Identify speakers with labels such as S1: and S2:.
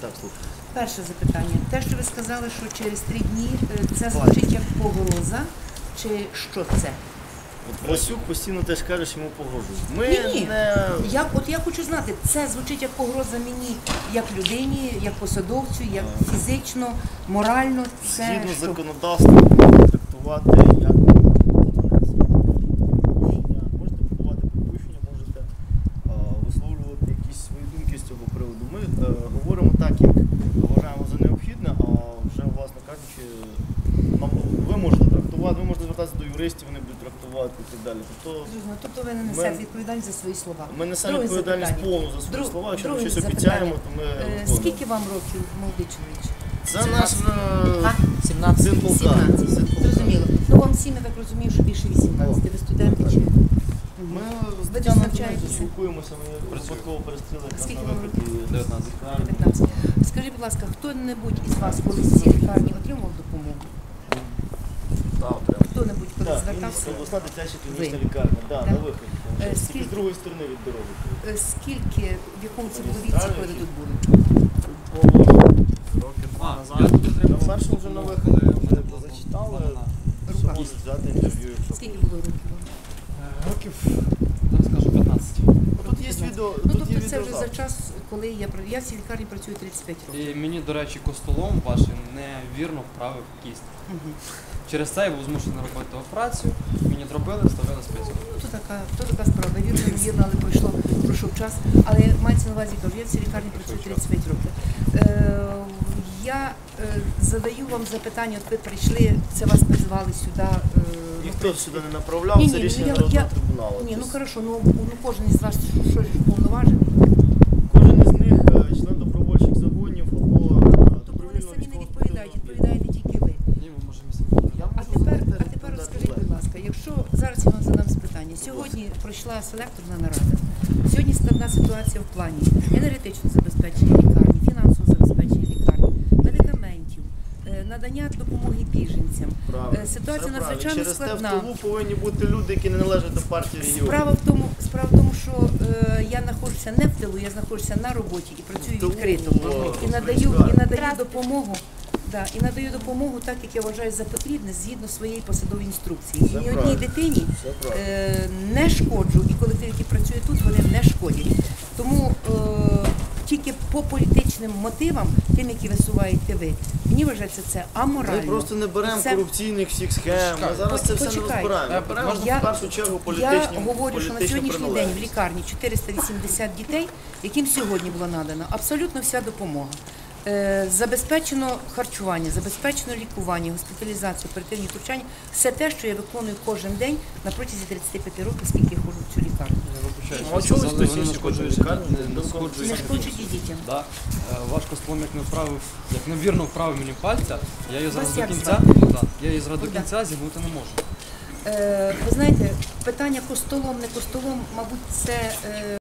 S1: Так, слухаю.
S2: Перше запитання. Те, що ви сказали, що через 3 дні це звучить як погроза, чи що це?
S1: От Васюк постійно теж каже, що йому погрожують.
S2: Ні. Я хочу знати, це звучить як погроза мені, як людині, як посадовцю, як фізично, морально. Це
S1: Згідно
S2: що?
S1: законодавства, можна трактувати як можете подавати припущення, можете висловлювати якісь свої думки з цього приводу. Ми говоримо так, як вважаємо за необхідне, а вже, власне кажучи, ви можете трактувати, ви можете звертатися до юристів, вони будуть трактувати і так далі.
S2: Тобто ви не несете відповідальність за свої слова.
S1: Ми несемо відповідальність повну за свої слова, якщо ми щось
S2: запитання.
S1: обіцяємо, то ми виконуємо.
S2: Скільки вам років, молодий чоловік?
S1: Це наш
S3: 17.
S1: син полка.
S2: 17. Зрозуміло. Ну вам всім, я так розумію, що більше 18. Ви студенти чи?
S1: Ми з
S2: Ви
S1: Тетяною
S2: навчаєтеся?
S1: спілкуємося, ми випадково перестріли якраз
S2: Скільки
S1: на
S2: вам
S1: виході.
S3: 19.
S2: 19. Скажіть, будь ласка, хто-небудь із вас колись в цій лікарні отримав допомогу?
S1: Так, прямо.
S2: Хто-небудь колись
S1: Так,
S2: звертався?
S1: обласна дитяча клінічна
S2: Ви?
S1: лікарня, да,
S2: Так.
S1: на виході. Тільки
S2: скільки-
S1: з другої сторони від дороги.
S2: Скільки, в якому це було віці, коли ви тут були?
S1: Років
S3: А,
S1: назад.
S3: я тут отримав
S1: На першому вже на виході ми зачитали. Що
S2: Рука.
S1: можуть взяти інтерв'ю, якщо
S2: Скільки було років вам?
S3: років, зараз скажу, 15.
S1: Тут є відео,
S2: Ну,
S1: тут є
S2: тобто це вже за
S1: відеозапис.
S2: час, коли я в цій лікарні працюю 35 років.
S3: І мені, до речі, костолом вашим невірно вправив кість.
S2: Мгм.
S3: Через це я був змушений робити операцію, мені зробили, вставили спецію.
S2: Ну, то така справа. Вірно, невірно, але пройшов час. Але мається на увазі, кажу, я в цій лікарні працюю 35 років. Я задаю вам запитання, от ви прийшли, це вас призвали сюди.
S1: Ніхто сюди не направляв,
S2: Ні,
S1: це
S2: ні,
S1: рішення
S2: я-
S1: Народного трибуналу.
S2: Ні, ну
S1: Тобто
S2: хорошо, ну кожен із вас що ж повноважений.
S1: Кожен із них член добровольчих загонів або
S2: Тобто вони
S1: добровільного
S2: самі не
S1: військового
S2: відповідають,
S1: підрозділу.
S2: відповідаєте тільки ви.
S3: Ні, ми можемо
S2: А тепер скажіть, будь ласка, якщо зараз я вам задам питання. Сьогодні пройшла селекторна нарада. Сьогодні складна ситуація в плані енергетичного забезпечення лікарні, фінансового забезпечення лікарні, медикаментів, надання допомоги біженцям. Ситуація надзвичайно
S1: Через те в
S2: складна.
S1: тилу повинні бути люди, які не належать до партії регіонів.
S2: Справа в тому, що я знаходжуся не в тилу, я знаходжуся на роботі і працюю
S1: Тилу,
S2: відкрито. І надаю допомогу. Да, і надаю допомогу так, як я вважаю за потрібне, згідно своєї посадової інструкції.
S1: Все
S2: І ні одній
S1: правильно.
S2: дитині
S1: Все правильно.
S2: не шкоджу, і колектив, який працює тут, вони не шкодять. Тому тільки по політичним мотивам, тим, які висуваєте ви, мені вважається це
S1: Ми
S2: аморально.
S1: просто не беремо
S2: Це-
S1: корупційних всіх схем. Ми зараз це все не
S2: Почекайте.
S1: розбираємо. Ми беремо
S2: Я-
S1: в першу чергу політичні
S2: Я говорю, що на сьогоднішній день в
S1: приналежність.
S2: лікарні 480 дітей, яким сьогодні була надана абсолютно вся допомога. Забезпечено харчування, забезпечено лікування, госпіталізацію, оперативні втручання. Все те, що я виконую кожен день на протязі 35 років, скільки я ходжу в цю лікарню.
S1: Ну, а чого ви хтось інший хоче в лікарню?
S3: Не сходжують.
S2: Не шкоджуть і дітям.
S3: Да. Ваш костолом як невірно вправив мені пальця, я її зараз
S2: Вас
S3: до
S2: як
S3: кінця,
S2: звати?
S3: ну, да, я її зараз до
S2: Богдан.
S3: кінця зігнути не можу.
S2: Ви знаєте, питання костолом, не костолом, мабуть, це